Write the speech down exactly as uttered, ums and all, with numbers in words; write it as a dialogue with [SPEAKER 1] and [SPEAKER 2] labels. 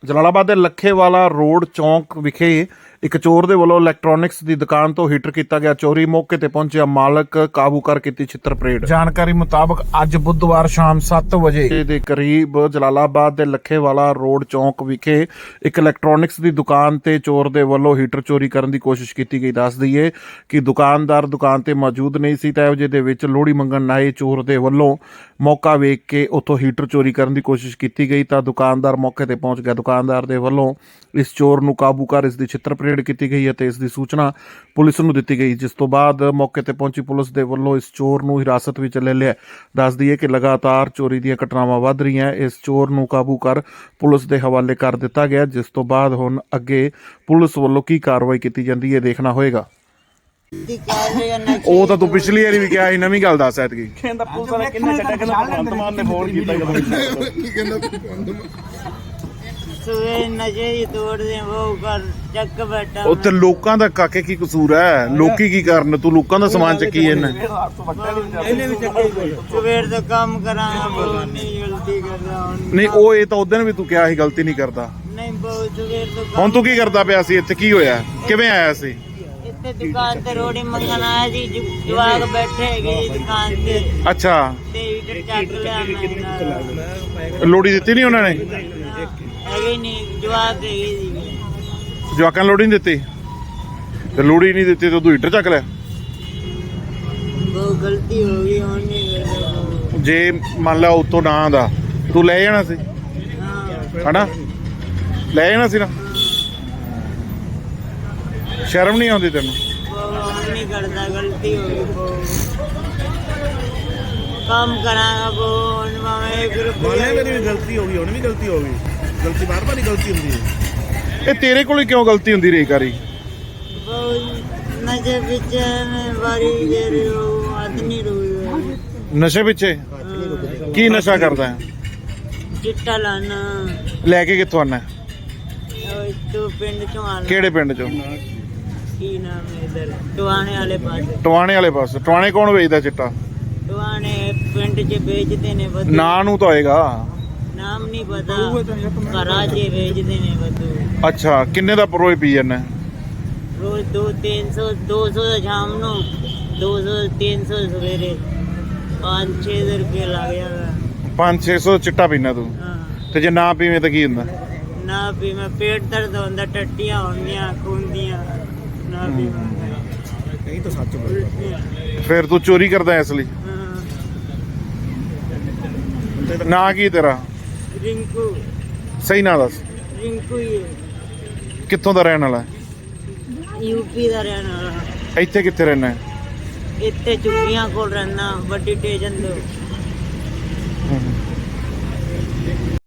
[SPEAKER 1] ਜਲਾਲਾਬਾਦ ਦੇ ਲੱਖੇਵਾਲਾ ਰੋਡ ਚੌਂਕ ਵਿਖੇ ਇੱਕ ਚੋਰ ਦੇ ਵੱਲੋਂ ਇਲੈਕਟ੍ਰੋਨਿਕਸ ਦੀ ਦੁਕਾਨ ਤੋਂ ਹੀਟਰ ਕੀਤਾ ਗਿਆ ਚੋਰੀ। ਮੌਕੇ ਤੇ ਪਹੁੰਚਿਆ ਮਾਲਕ ਕਾਬੂ ਕਰ ਕੀਤੀ ਛਿੱਤਰ ਪਰੇਡ। ਜਾਣਕਾਰੀ ਮੁਤਾਬਕ ਅੱਜ ਬੁੱਧਵਾਰ ਸ਼ਾਮ ਸੱਤ ਵਜੇ ਦੇ ਕਰੀਬ ਜਲਾਲਾਬਾਦ ਦੇ ਲੱਖੇਵਾਲਾ ਰੋਡ ਚੌਂਕ ਵਿਖੇ ਇੱਕ ਇਲੈਕਟ੍ਰੋਨਿਕਸ ਦੀ ਦੁਕਾਨ ਤੇ ਚੋਰ ਦੇ ਵੱਲੋਂ ਹੀਟਰ ਚੋਰੀ ਕਰਨ ਦੀ ਕੋਸ਼ਿਸ਼ ਕੀਤੀ ਗਈ। ਦੱਸ ਦਈਏ ਕਿ ਦੁਕਾਨਦਾਰ ਦੁਕਾਨ ਤੇ ਮੌਜੂਦ ਨਹੀਂ ਸੀ ਤਾਂ ਇਹੋ ਜਿਹੇ ਦੇ ਵਿੱਚ ਲੋਹੜੀ ਮੰਗਣ ਆਏ ਚੋਰ ਦੇ ਵੱਲੋਂ ਮੌਕਾ ਵੇਖ ਕੇ ਉੱਥੋਂ ਹੀਟਰ ਚੋਰੀ ਕਰਨ ਦੀ ਕੋਸ਼ਿਸ਼ ਕੀਤੀ ਗਈ ਤਾਂ ਦੁਕਾਨਦਾਰ ਮੌਕੇ ਤੇ ਪਹੁੰਚ ਗਿਆ। ਦੁਕਾਨਦਾਰ ਦੇ ਵੱਲੋਂ ਇਸ ਚੋਰ ਨੂੰ ਕਾਬੂ ਕਰ ਇਸ ਦੀ ਛਿੱਤਰ ਪਰੇਡ ਕੀਤੀ ਗਈ ਅਤੇ ਇਸ ਦੀ ਸੂਚਨਾ ਪੁਲਿਸ ਨੂੰ ਦਿੱਤੀ ਗਈ, ਜਿਸ ਤੋਂ ਬਾਅਦ ਮੌਕੇ ਤੇ ਪਹੁੰਚੀ ਪੁਲਿਸ ਦੇ ਵੱਲੋਂ ਇਸ ਚੋਰ ਨੂੰ ਹਿਰਾਸਤ ਵਿੱਚ ਲੈ ਲਿਆ। ਦੱਸ ਦਈਏ ਕਿ ਲਗਾਤਾਰ ਚੋਰੀ ਦੀਆਂ ਘਟਨਾਵਾਂ ਵੱਧ ਰਹੀਆਂ। ਇਸ ਚੋਰ ਨੂੰ ਕਾਬੂ ਕਰ ਪੁਲਿਸ ਦੇ ਹਵਾਲੇ ਕਰ ਦਿੱਤਾ ਗਿਆ, ਜਿਸ ਤੋਂ ਬਾਅਦ ਹੁਣ ਅੱਗੇ ਪੁਲਿਸ ਵੱਲੋਂ ਕੀ ਕਾਰਵਾਈ ਕੀਤੀ ਜਾਂਦੀ ਹੈ ਦੇਖਣਾ ਹੋਏਗਾ। ਉਹ ਤਾਂ ਤੂੰ ਪਿਛਲੀ ਵਾਰੀ ਵੀ ਕਿਹਾ ਸੀ, ਨਵੀਂ ਗੱਲ ਦੱਸ ਐਤਕੀ।
[SPEAKER 2] ਕਹਿੰਦਾ ਪੁਲਿਸ ਵਾਲਾ ਕਿੰਨੇ ਚੱਕਾ ਕਹਿੰਦਾ ਭਗਵੰਤ ਮਾਨ ਨੇ ਫੋਨ ਕੀਤਾ
[SPEAKER 3] ਕੀ ਕਹਿੰਦਾ
[SPEAKER 4] ਸਵੇ ਨਸ਼ੇ ਦੀ ਤੋੜਦੇ ਉਹ ਕਰ ਚੱਕ ਬੈਠਾ
[SPEAKER 1] ਉੱਥੇ ਲੋਕਾਂ ਦਾ ਕਾਕੇ ਕੀ ਕਸੂਰ ਹੈ? ਲੋਕੀ ਕੀ ਕਰਨ? ਤੂੰ ਲੋਕਾਂ ਦਾ ਸਮਾਨ ਚੱਕੀ ਇਹਨੇ।
[SPEAKER 2] ਇਹਨੇ ਵੀ ਚੱਕੇ
[SPEAKER 4] ਸਵੇਰ ਤੋਂ ਕੰਮ ਕਰਾਂਗਾ ਬਹੁਤ ਨਹੀਂ ਗਲਤੀ ਕਰਦਾ
[SPEAKER 1] ਨਹੀਂ ਉਹ ਇਹ ਤਾਂ ਉਦੋਂ ਵੀ ਤੂੰ ਕਿਹਾ ਸੀ ਗਲਤੀ ਨਹੀਂ ਕਰਦਾ।
[SPEAKER 4] ਨਹੀਂ ਬਹੁਤ ਸਵੇਰ ਤੋਂ
[SPEAKER 1] ਹੁਣ ਤੂੰ ਕੀ ਕਰਦਾ ਪਿਆ ਸੀ ਇੱਥੇ? ਕੀ ਹੋਇਆ? ਕਿਵੇਂ ਆਇਆ ਸੀ
[SPEAKER 4] ਇੱਥੇ ਦੁਕਾਨ ਤੇ ਰੋੜੀ ਮੰਗਣ ਆਇਆ ਸੀ। ਜੁ- ਜਵਾਕ ਬੈਠੇ ਹੈਗੇ ਜੀ ਦੁਕਾਨ ਤੇ
[SPEAKER 1] ਅੱਛਾ,
[SPEAKER 4] ਤੇ ਹੀਟਰ ਚੱਕ ਲਿਆ ਮੈਂ।
[SPEAKER 1] ਲੋੜੀ ਦਿੱਤੀ ਨਹੀਂ ਉਹਨਾਂ ਨੇ?
[SPEAKER 4] ਹੈਗੇ ਨਹੀਂ ਜਵਾਕ ਹੈਗੇ ਜੀ।
[SPEAKER 1] ਜਵਾਕਾਂ ਨੂੰ ਲੋੜੀ ਨਹੀਂ ਦਿੱਤੀ ਤੇ ਲੋੜੀ ਨਹੀਂ ਦਿੱਤੀ ਤੇ ਤੂੰ ਹੀਟਰ ਚੱਕ ਲਿਆ।
[SPEAKER 4] ਬਹੁਤ ਗਲਤੀ ਹੋ ਗਈ ਹੁਣ ਨਹੀਂ ਕਰਦਾ।
[SPEAKER 1] ਜੇ ਮੰਨ ਲਾ ਉਤੋਂ ਨਾ ਆਉਂਦਾ ਤੂੰ ਲੈ ਜਾਣਾ ਸੀ
[SPEAKER 4] ਹਾਂ
[SPEAKER 1] ਹਨਾ, ਲੈ ਜਾਣਾ ਸੀ ਨਾ। ਸ਼ਰਮ ਨਹੀਂ ਆਉਂਦੀ ਤੈਨੂੰ?
[SPEAKER 4] ਬਹੁਤ ਹੁਣ ਨਹੀਂ ਕਰਦਾ, ਗਲਤੀ ਹੋ ਗਈ ਬਹੁਤ। ਕੰਮ ਕਰਾਂਗਾ ਬਹੁਤ ਹੁਣ ਮੈਂ ਇੱਕ
[SPEAKER 2] ਮਾਨੇ
[SPEAKER 4] ਰੁਪਇਆ
[SPEAKER 2] ਮੇਰੀ ਵੀ ਗਲਤੀ ਹੋ ਗਈ, ਹੁਣ ਵੀ ਗਲਤੀ ਹੋ ਗਈ। ਗਲਤੀ ਬਾਰ ਬਾਰ ਹੀ ਗਲਤੀ ਹੁੰਦੀ ਹੈ।
[SPEAKER 1] ਇਹ ਤੇਰੇ ਕੋਲ ਹੀ ਕਿਉਂ ਗਲਤੀ ਹੁੰਦੀ ਰਹੀ ਕਾਰੀ?
[SPEAKER 4] ਬਹੁਤ ਨਸ਼ੇ ਵਿੱਚ ਮੈਂ ਵਾਰੀ ਦੇ ਰਹੀ ਹੂੰ ਆਦਮੀ ਰੋਈ
[SPEAKER 1] ਨਸ਼ੇ ਪਿੱਛੇ? ਕੀ ਨਸ਼ਾ ਕਰਦਾ ਹੈ?
[SPEAKER 4] ਚਿੱਟਾ ਲਾਣਾ
[SPEAKER 1] ਲੈ ਕੇ ਕਿੱਥੋਂ ਆਣਾ?
[SPEAKER 4] ਤੂੰ ਪਿੰਡ ਚੋਂ ਆਣਾ।
[SPEAKER 1] ਕਿਹੜੇ ਪਿੰਡ ਚੋਂ?
[SPEAKER 4] ਕੀ ਨਾਮ ਹੈ ਇਧਰ ਟਵਾਣੇ ਵਾਲੇ ਪਾਸੇ।
[SPEAKER 1] ਟਵਾਣੇ ਵਾਲੇ ਪਾਸੇ? ਟਵਾਣੇ ਕੌਣ ਵੇਚਦਾ ਚਿੱਟਾ?
[SPEAKER 4] ਟਵਾਣੇ ਪਿੰਡ 'ਚ ਵੇਚਦੇ ਨੇ ਬਦੂ।
[SPEAKER 1] ਨਾਂ ਨੂੰ ਤਾਂ ਹੋਏਗਾ।
[SPEAKER 4] ਨਾਮ ਨਹੀਂ ਪਤਾ, ਘਰਾਂ 'ਚ ਵੇਚਦੇ ਨੇ ਬਦੂ।
[SPEAKER 1] ਅੱਛਾ, ਕਿੰਨੇ ਦਾ ਰੋਜ਼ ਪੀ ਜਾਂਦਾ?
[SPEAKER 4] ਰੋਜ਼ ਦੋ ਤਿੰਨ ਸੌ ਦੋ ਸੌ ਦਾ ਸ਼ਾਮ ਨੂੰ, ਦੋ ਸੌ ਤਿੰਨ ਸੌ ਸਵੇਰੇ, ਪੰਜ ਛੇ ਸੌ ਰੁਪਏ ਲੱਗ ਜਾਂਦਾ।
[SPEAKER 1] ਪੰਜ ਛੇ ਸੌ ਚਿੱਟਾ ਪੀਣਾ ਤੂੰ?
[SPEAKER 4] ਹਾਂ
[SPEAKER 1] ਤੇ ਜੇ ਨਾ ਪੀਵੇਂ ਤਾਂ ਕੀ ਹੁੰਦਾ?
[SPEAKER 4] ਨਾ ਵੀ ਮੈਂ ਪੇਟ ਦਰਦ ਹੁੰਦਾ, ਟੱਟੀਆਂ ਹੁੰਦੀਆਂ ਖੂਨ ਦੀਆਂ, ਨਾ ਵੀ
[SPEAKER 2] ਨਹੀਂ ਤਾਂ ਸੱਚ ਬੋਲ।
[SPEAKER 1] ਫਿਰ ਤੂੰ ਚੋਰੀ ਕਰਦਾ ਇਸ ਲਈ? ਨਾਂ ਕੀ ਤੇਰਾ?
[SPEAKER 4] ਰਿੰਕੂ
[SPEAKER 1] ਸਹੀ ਨਾਂ ਦੱਸ।
[SPEAKER 4] ਰਿੰਕੂ ਹੀ
[SPEAKER 1] ਕਿੱਥੋਂ ਦਾ ਰਹਿਣ ਵਾਲਾ?
[SPEAKER 4] ਯੂਪੀ ਦਾ ਰਹਿਣ ਵਾਲਾ।
[SPEAKER 1] ਇੱਥੇ ਕਿੱਥੇ ਰਹਿਣਾ?
[SPEAKER 4] ਇੱਥੇ ਚੁੱਕੀਆਂ ਕੋਲ ਰਹਿਣਾ, ਵੱਡੀ ਸਟੇਸ਼ਨ ਤੋਂ।